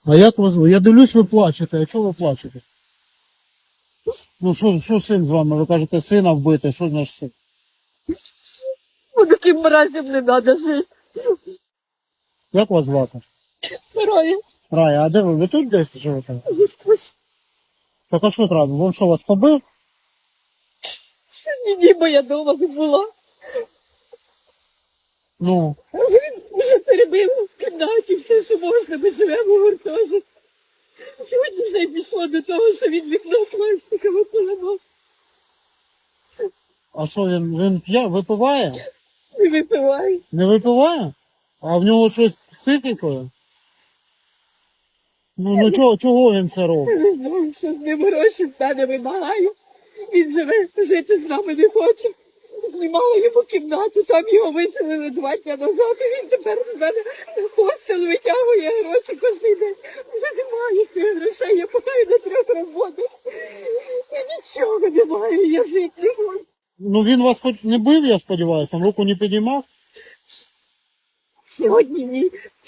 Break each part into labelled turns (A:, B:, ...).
A: А як вас звуть? Я дивлюсь, ви плачете. А чого ви плачете? Ну що син з вами? Ви кажете, сина вбити. Що значить син?
B: Ну, таким мразям не треба жити.
A: Як вас звати?
B: Рая.
A: Рая, а де ви? Ви тут десь живете? Так а що треба? Він що, вас побив?
B: Ні, бо я вдома не була.
A: Ну,
B: Він вже перебив в кімнаті все, що можна, ми живемо в гуртожитку. Сьогодні вже пішло до того, що він вікно пластикове поламав.
A: а що він п'є, випиває?
B: Не випиває.
A: Не випиває? А в нього щось з психікою? Ну чого він це робить?
B: Не знаю, що з ним гроші в мене вимагаю. Він живе, жити з нами не хоче. Знімала йому кімнату, там його виселили 2 дні назад, і він тепер з мене на хостел витягує гроші кожен день. Вже немає цих грошей, я маю на 3 роботи. І нічого немає, я жити не можу.
A: Ну він вас хоч не бив, я сподіваюся, там руку не підіймав?
B: Сьогодні ні.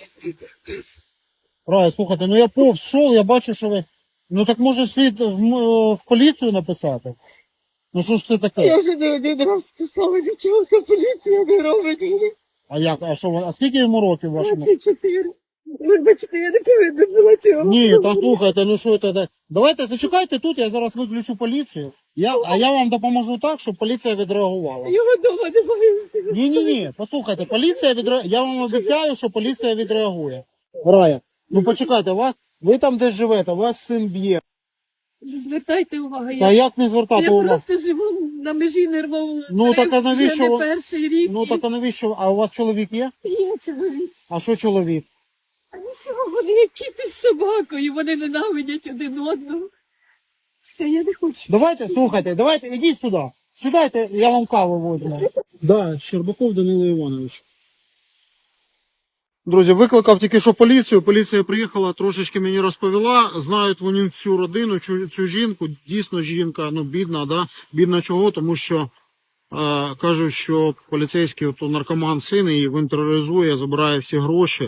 A: Рая, слухайте, ну я повз шов, я бачу, що ви... Ну так може слід в поліцію написати? Ну що ж це таке?
B: Я вже не один раз писала, нічого поліція не робить.
A: А як? А що а скільки йому років вашому?
B: 24. Вибачте, я не повинна була цього.
A: Ні, та слухайте, ну що це? Давайте зачекайте тут, я зараз виключу поліцію. А я вам допоможу так, щоб поліція відреагувала.
B: Його вдома немає.
A: Ні, послухайте, поліція відреагує. Я вам обіцяю, що поліція відреагує. Рая, ну почекайте, ви там десь живете, вас син б'є.
B: Звертайте увагу,
A: Та
B: я
A: як не звертати увагу?
B: просто живу на межі нервового
A: Ну, так а навіщо
B: вже не
A: ви-
B: перший рік.
A: Ну так а навіщо? А у вас чоловік є?
B: Є чоловік.
A: А що чоловік?
B: А нічого, вони як кіт із собакою, вони ненавидять один одного. Все, я не хочу.
A: Давайте, слухайте, давайте, ідіть сюди. Сідайте, я вам каву возьму. Да, Щербаков Данило Іванович. Друзі, викликав тільки що поліцію. Поліція приїхала, трошечки мені розповіла. Знають вони цю родину, цю жінку. Дійсно жінка, ну бідна, да? Бідна чого? Тому що кажуть, що поліцейський наркоман син її, він тероризує, забирає всі гроші.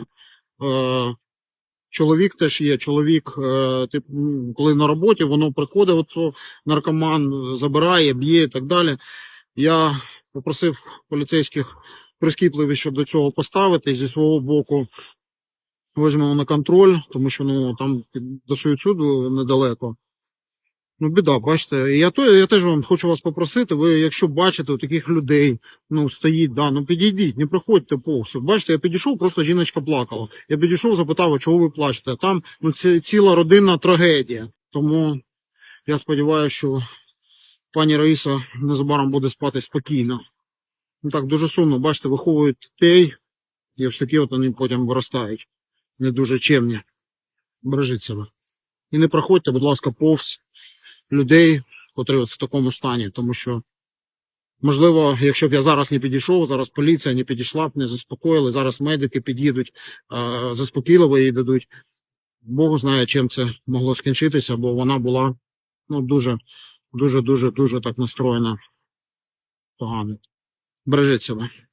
A: Чоловік теж є. Чоловік, коли на роботі, воно приходить, наркоман забирає, б'є і так далі. Я попросив поліцейських прискіпливіше до цього поставити. Зі свого боку візьмемо на контроль, тому що там до суїциду недалеко. Ну, біда, бачите. І я теж вам хочу вас попросити, ви, якщо бачите таких людей, стоїть, підійдіть, не приходьте повз. Бачите, я підійшов, просто жіночка плакала. Я підійшов, запитав, чого ви плачете. Там, це ціла родинна трагедія. Тому я сподіваюся, що пані Раїса незабаром буде спати спокійно. Так, дуже сумно, бачите, виховують дітей, і ось такі вони потім виростають. Не дуже чемні. Бережіть себе. І не проходьте, будь ласка, повз людей, котрі в такому стані, тому що, можливо, якщо б я зараз не підійшов, зараз поліція не підійшла б, не заспокоїли, зараз медики під'їдуть, заспокійливо їй дадуть. Бог знає, чим це могло скінчитися, бо вона була, дуже так настроєна погано. Бережіть себе.